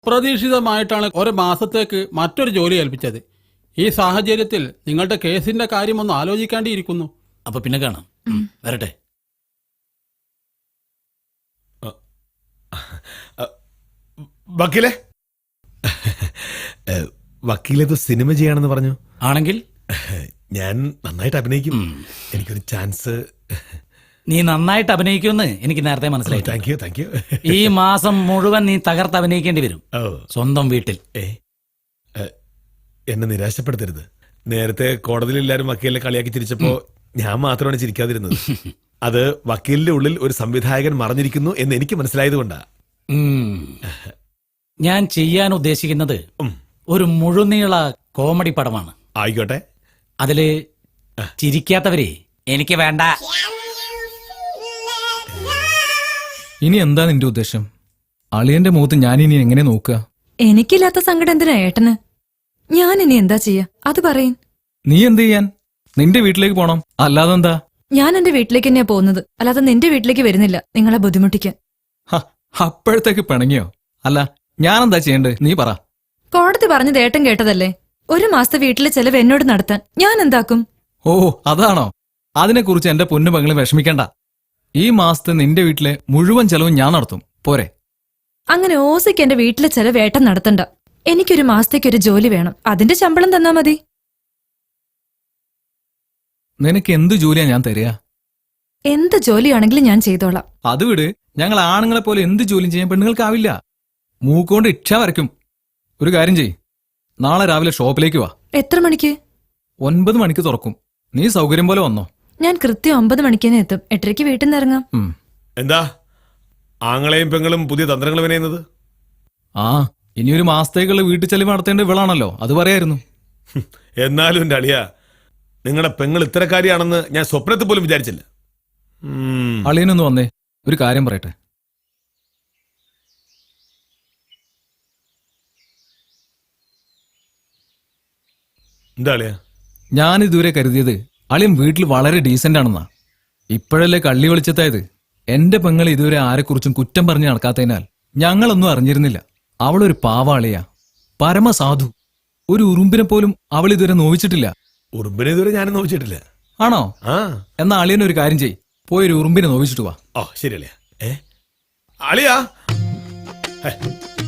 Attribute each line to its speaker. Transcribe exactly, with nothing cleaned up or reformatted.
Speaker 1: അപ്രതീക്ഷിതമായിട്ടാണ് ഒരു മാസത്തേക്ക് മറ്റൊരു ജോലി ഏൽപ്പിച്ചത്. ഈ സാഹചര്യത്തിൽ നിങ്ങളുടെ കേസിന്റെ കാര്യം ഒന്ന് ആലോചിക്കേണ്ടിയിരിക്കുന്നു.
Speaker 2: അപ്പൊ പിന്നെ കാണാം. വരട്ടെ.
Speaker 3: വക്കീലെ വക്കീലേത് സിനിമ ചെയ്യാണെന്ന് പറഞ്ഞു.
Speaker 2: ആണെങ്കിൽ
Speaker 3: ഞാൻ നന്നായിട്ട് അഭിനയിക്കും. എനിക്കൊരു ചാൻസ്.
Speaker 2: നീ നന്നായിട്ട് അഭിനയിക്കുമെന്ന് എനിക്ക് നേരത്തെ മനസ്സിലായി.
Speaker 3: Thank you thank you.
Speaker 2: ഈ മാസം മുഴുവൻ നീ തകർത്ത് അഭിനയിക്കേണ്ടി വരും സ്വന്തം വീട്ടിൽ.
Speaker 3: ഏ എന്നെ നിരാശപ്പെടുത്തരുത്. നേരത്തെ കോടതിയിൽ എല്ലാവരും വക്കീലിനെ കളിയാക്കി ചിരിച്ചപ്പോ ഞാൻ മാത്രമാണ് ചിരിക്കാതിരുന്നത്. അത് വക്കീലിന്റെ ഉള്ളിൽ ഒരു സംവിധായകൻ മറഞ്ഞിരിക്കുന്നു എന്ന് എനിക്ക് മനസ്സിലായത് കൊണ്ടാ.
Speaker 2: ഞാൻ ചെയ്യാൻ ഉദ്ദേശിക്കുന്നത് ഒരു മുഴുനീള കോമഡി പടമാണ്.
Speaker 3: ആയിക്കോട്ടെ.
Speaker 2: അതില് ചിരിക്കാത്തവരെ എനിക്ക് വേണ്ട.
Speaker 4: ഇനി എന്താ നിന്റെ ഉദ്ദേശം? അളിയന്റെ മുഖത്ത് ഞാനിനി എങ്ങനെ നോക്കുക?
Speaker 5: എനിക്കില്ലാത്ത സങ്കടം എന്തിനാ ഏട്ടന്? ഞാൻ ഇനി എന്താ ചെയ്യാ അത് പറയും.
Speaker 4: നീ എന്ത് ചെയ്യാൻ? നിന്റെ വീട്ടിലേക്ക് പോണം. അല്ലാതെ എന്താ?
Speaker 5: ഞാൻ എന്റെ വീട്ടിലേക്ക് തന്നെയാ പോകുന്നത്, അല്ലാതെ നിന്റെ വീട്ടിലേക്ക് വരുന്നില്ല നിങ്ങളെ ബുദ്ധിമുട്ടിക്കാൻ.
Speaker 4: അപ്പോഴത്തേക്ക് പിണങ്ങിയോ? അല്ല ഞാനെന്താ ചെയ്യണ്ടേ നീ പറ.
Speaker 5: കോടതി പറഞ്ഞത് ഏട്ടൻ കേട്ടതല്ലേ. ഒരു മാസത്തെ വീട്ടിലെ ചെലവ് എന്നോട് നടത്താൻ ഞാൻ എന്താക്കും?
Speaker 4: ഓ അതാണോ? അതിനെക്കുറിച്ച് എന്റെ പൊന്നു പെങ്ങളും വിഷമിക്കണ്ട. ഈ മാസത്തെ നിന്റെ വീട്ടിലെ മുഴുവൻ ചെലവും ഞാൻ നടത്തും. പോരെ?
Speaker 5: അങ്ങനെ ഓസിക്ക് എന്റെ വീട്ടിലെ ചെലവ് ഏട്ടൻ നടത്തണ്ട. എനിക്കൊരു മാസത്തേക്കൊരു ജോലി വേണം. അതിന്റെ ശമ്പളം തന്നാ മതി.
Speaker 4: നിനക്ക് എന്ത് ജോലിയാ ഞാൻ തരിക?
Speaker 5: എന്ത് ജോലിയാണെങ്കിലും ഞാൻ ചെയ്തോളാം.
Speaker 4: അത് വിട്. ഞങ്ങൾ ആണുങ്ങളെ പോലെ എന്ത് ജോലിയും ചെയ്യാൻ പെണ്ണുങ്ങൾക്കാവില്ല. മൂക്കൊണ്ട് ഇച്ഛ വരയ്ക്കും. ഒരു കാര്യം ചെയ്, നാളെ രാവിലെ ഷോപ്പിലേക്ക് വാ.
Speaker 5: എത്ര മണിക്ക്?
Speaker 4: ഒൻപത് മണിക്ക് തുറക്കും. നീ സൗകര്യം പോലെ വന്നോ.
Speaker 5: ഞാൻ കൃത്യം ഒമ്പത് മണിക്ക് തന്നെ എത്തും. എട്ടരയ്ക്ക് വീട്ടിൽ നിന്ന് ഇറങ്ങാം.
Speaker 3: എന്താ ആങ്ങളെയും പെങ്ങളും പുതിയ തന്ത്രങ്ങൾ വിനയുന്നത്?
Speaker 4: ആ ഇനിയൊരു മാസത്തേക്കുള്ള വീട്ടു ചെലവ് നടത്തേണ്ട ഇവളാണല്ലോ, അത് പറയായിരുന്നു.
Speaker 3: എന്നാലും എന്റെ അളിയ, നിങ്ങളുടെ പെങ്ങൾ ഇത്തരക്കാരിയാണെന്ന് ഞാൻ സ്വപ്നത്തിൽ പോലും വിചാരിച്ചില്ല.
Speaker 4: അളിയനൊന്ന് വന്നേ, ഒരു കാര്യം പറയട്ടെ.
Speaker 3: എന്താ അളിയ?
Speaker 4: ഞാൻ ഇതുവരെ കരുതിയത് അളിയൻ വീട്ടിൽ വളരെ ഡീസന്റ് ആണെന്നാ. ഇപ്പോഴല്ലേ കള്ളി വെളിച്ചത്തായത്. എന്റെ പെങ്ങൾ ഇതുവരെ ആരെക്കുറിച്ചും കുറ്റം പറഞ്ഞ് നടക്കാത്തതിനാൽ ഞങ്ങളൊന്നും അറിഞ്ഞിരുന്നില്ല. അവളൊരു പാവാളിയാ, പരമസാധു. ഒരു ഉറുമ്പിനെ പോലും അവൾ ഇതുവരെ നോവിച്ചിട്ടില്ല.
Speaker 3: ഉറുമ്പിനെ ഇതുവരെ ഞാനും നോവിച്ചിട്ടില്ല.
Speaker 4: ആണോ?
Speaker 3: ആ
Speaker 4: എന്നാ അളിയൻ ഒരു കാര്യം ചെയ്യ്, പോയൊരു ഉറുമ്പിനെ നോവിച്ചിട്ട് വാ.
Speaker 3: ഓ ശരി അളിയ. ഏ അളിയാ